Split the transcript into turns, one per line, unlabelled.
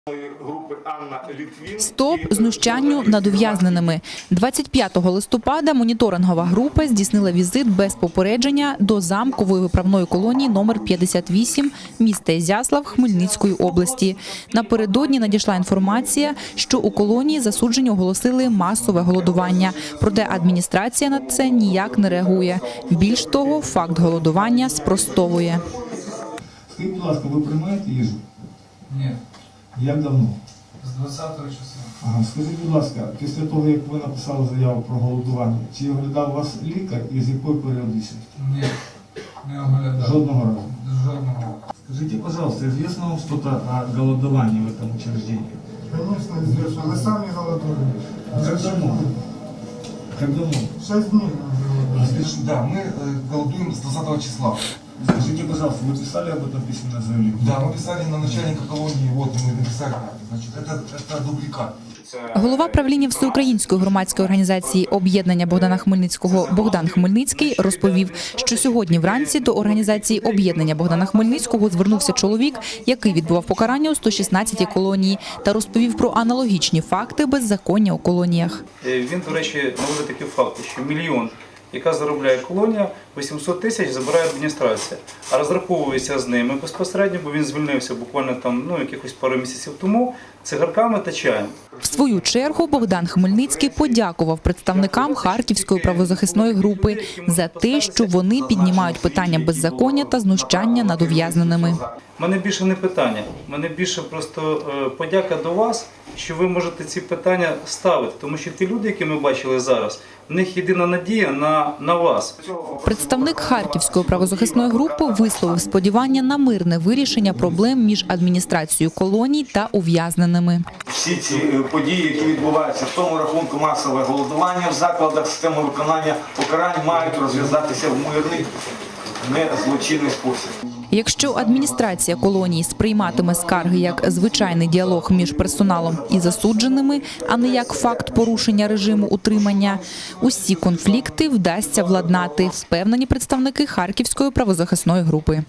Стоп знущанню над ув'язненими. 25 листопада моніторингова група здійснила візит без попередження до замкової виправної колонії номер 58 міста Ізяслав Хмельницької області. Напередодні надійшла інформація, що у колонії засуджені оголосили масове голодування. Проте адміністрація на це ніяк не реагує. Більш того, факт голодування спростовує.
Скажіть, будь ласка, ви приймаєте їжу?
Ні.
Як давно?
З 20-го числа.
Ага. Скажіть, будь ласка, після того, як ви написали заяву про голодування, чи оглядав вас лікар і з якою періодичністю?
Ні. Не оглядав.
Жодного разу?
Жодного.
Скажите, пожалуйста, известно вам что-то о голодовании в этом учреждении?
Конечно, известно. Мы сами голодуем.
Как давно? Как давно?
6 дней мы голодуем.
Да, мы голодуем с 20 числа.
Скажите, пожалуйста, вы писали об этом письменное заявление?
Да, мы писали на начальника колонии, вот мы написали. Значит, это дубликат.
Голова правління Всеукраїнської громадської організації «Об'єднання Богдана Хмельницького» Богдан Хмельницький розповів, що сьогодні вранці до організації «Об'єднання Богдана Хмельницького» звернувся чоловік, який відбував покарання у 116-й колонії, та розповів про аналогічні факти беззаконня у колоніях.
Він, до речі, наводить такі факти, що 1 мільйон, яка заробляє колонія, 800 тисяч забирає адміністрація, а розраховується з ними безпосередньо, бо він звільнився буквально якихось пару місяців тому, цигарками та чаєм.
В свою чергу Богдан Хмельницький подякував представникам Харківської правозахисної групи за те, що вони піднімають питання беззаконня та знущання над ув'язненими.
У мене більше не питання, у мене більше просто подяка до вас, що ви можете ці питання ставити, тому що ті люди, які ми бачили зараз, в них єдина надія на вас.
Представник Харківської правозахисної групи висловив сподівання на мирне вирішення проблем між адміністрацією колоній та ув'язненими.
Всі ці події, які відбуваються в тому рахунку масове голодування в закладах системи виконання покарань, мають розв'язатися в мирний, не злочинний спосіб.
Якщо адміністрація колонії сприйматиме скарги як звичайний діалог між персоналом і засудженими, а не як факт порушення режиму утримання, усі конфлікти вдасться владнати, впевнені представники Харківської правозахисної групи.